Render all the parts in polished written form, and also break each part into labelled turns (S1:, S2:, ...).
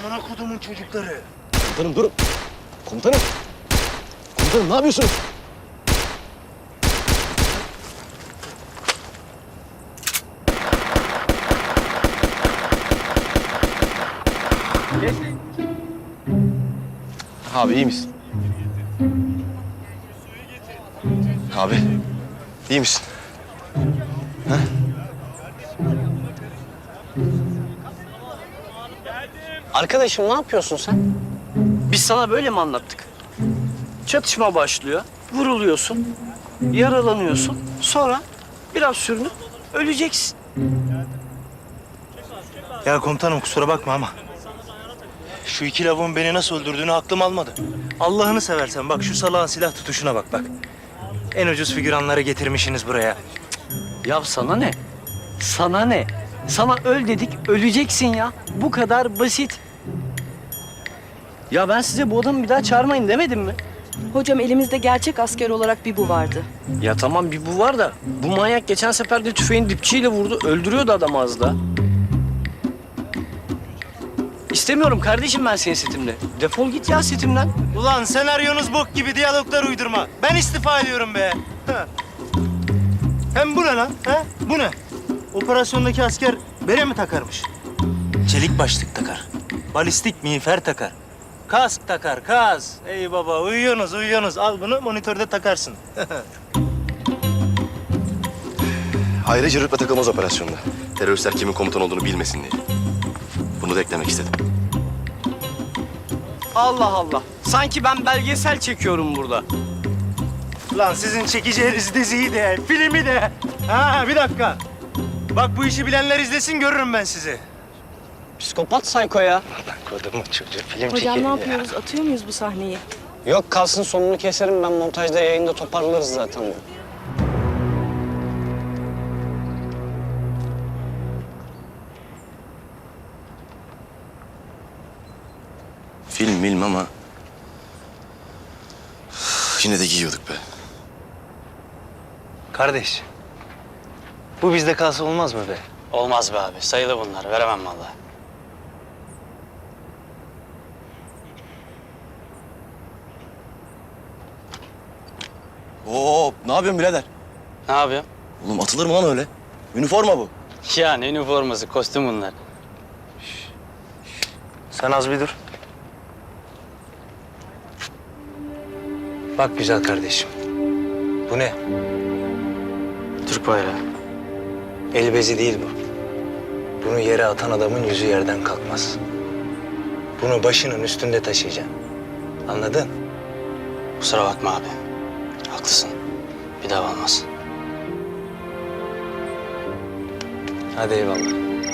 S1: Amına kodumun çocukları.
S2: Komutanım durun. Komutanım. Komutanım ne yapıyorsunuz? Abi iyi misin? Abi iyi misin? Ha?
S3: Arkadaşım ne yapıyorsun sen? Biz sana böyle mi anlattık? Çatışma başlıyor, vuruluyorsun, yaralanıyorsun. Sonra biraz sürünüp öleceksin.
S1: Ya komutanım kusura bakma ama şu iki lavuğun beni nasıl öldürdüğünü aklım almadı. Allah'ını seversen bak şu salağın silah tutuşuna bak. En ucuz figüranları getirmişsiniz buraya.
S3: Ya sana ne? Sana ne? Sana öl dedik, öleceksin ya. Bu kadar basit. Ya ben size bu adamı bir daha çağırmayın demedim mi?
S4: Hocam elimizde gerçek asker olarak bir bu vardı.
S3: Ya tamam bir bu var da bu manyak geçen sefer de tüfeğin dipçiyle vurdu. Öldürüyordu adamı az da. İstemiyorum kardeşim ben senin setimde. Defol git ya setimden.
S1: Ulan senaryonuz bok gibi diyaloglar uydurma. Ben istifa ediyorum be. Ha. Hem bu ne lan? Ha? Bu ne? Operasyondaki asker bere mi takarmış? Çelik başlık takar. Balistik miğfer takar. Kask takar, kask. Ey baba uyuyorsunuz. Al bunu monitörde takarsın.
S2: Ayrıca rütbe takılmaz operasyonda. Teröristler kimin komutan olduğunu bilmesin diye. Bunu da eklemek istedim.
S3: Allah Allah. Sanki ben belgesel çekiyorum burada.
S1: Lan sizin çekeceğiniz diziyi de, filmi de. Ha bir dakika. Bak bu işi bilenler izlesin görürüm ben sizi.
S3: Psikopat sayko ya.
S1: Kodumun çocuğu film
S4: Hocam ne yapıyoruz? Atıyor muyuz bu sahneyi?
S3: Yok kalsın sonunu keserim ben montajda yayında toparlarız zaten bunu.
S2: Film ama... Yine de giyiyorduk be.
S1: Kardeş, bu bizde kalsa olmaz mı be?
S3: Olmaz be abi. Sayılı bunlar. Veremem vallahi.
S2: Hop, ne yapıyorsun birader?
S3: Ne yapıyorsun?
S2: Oğlum atılır mı lan öyle? Üniforma bu.
S3: Ya ne üniforması, kostüm bunlar.
S1: Sen az bir dur. Bak güzel kardeşim. Bu ne?
S3: Türk bayrağı.
S1: El bezi değil bu. Bunu yere atan adamın yüzü yerden kalkmaz. Bunu başının üstünde taşıyacaksın. Anladın?
S3: Kusura bakma abi. Haklısın. Bir daha olmaz.
S1: Hadi eyvallah.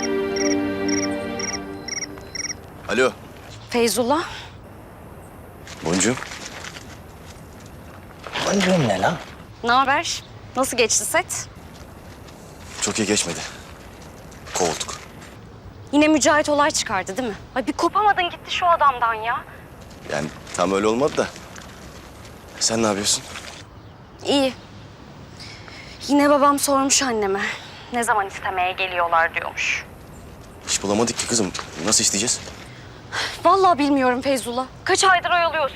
S2: Alo,
S4: Feyzullah.
S2: Boncuğum.
S1: Boncuğum ne lan?
S5: Ne haber? Nasıl geçti set?
S2: Çok iyi geçmedi. Kovulduk.
S5: Yine Mücahit olay çıkardı değil mi? Ay bir kopamadın gitti şu adamdan ya.
S2: Yani tam öyle olmadı da. Sen ne yapıyorsun?
S5: İyi. Yine babam sormuş anneme. Ne zaman istemeye geliyorlar diyormuş.
S2: İş bulamadık ki kızım. Nasıl isteyeceğiz?
S5: Vallahi bilmiyorum Feyzullah. Kaç aydır oyalıyorsun?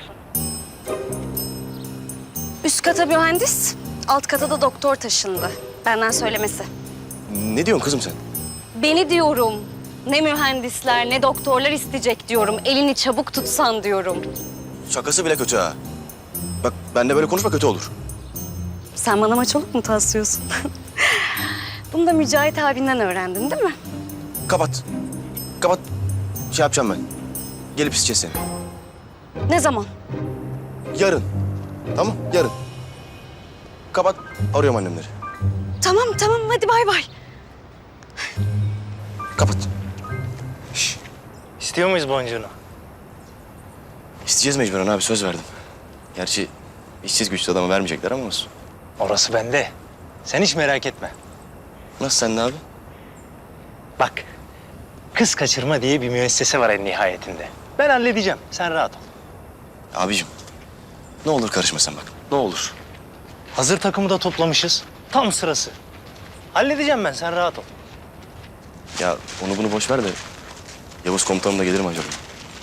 S5: Üst kata mühendis, alt kata da doktor taşındı. Benden söylemesi.
S2: Ne diyorsun kızım sen?
S5: Beni diyorum. Ne mühendisler ne doktorlar isteyecek diyorum. Elini çabuk tutsan diyorum.
S2: Şakası bile kötü ha. Bak benle böyle konuşma kötü olur.
S5: Sen bana maçoluk mu taslıyorsun? Bunu da Mücahit abinden öğrendin değil mi?
S2: Kapat. Kapat. Şey yapacağım ben. Gelip isteyeceğiz seni.
S5: Ne zaman?
S2: Yarın. Tamam yarın. Kapat. Arıyorum annemleri.
S5: Tamam hadi bay bay.
S2: Kapat.
S1: İstiyor muyuz boncuğunu?
S2: İsteyeceğiz mecburen abi söz verdim. Gerçi işsiz güçlü adama vermeyecekler ama olsun.
S1: Orası bende. Sen hiç merak etme.
S2: Nasıl sen de abi?
S1: Bak, kız kaçırma diye bir müessese var en nihayetinde. Ben halledeceğim, sen rahat ol.
S2: Abicim ne olur karışma sen bak. Ne olur.
S1: Hazır takımı da toplamışız. Tam sırası. Halledeceğim ben, sen rahat ol.
S2: Ya onu bunu boş ver de Yavuz komutanım da gelir mi acaba?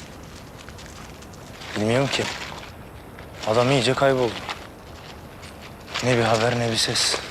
S1: Bilmiyorum ki. Adam iyice kayboldu. Ne bir haber ne bir ses.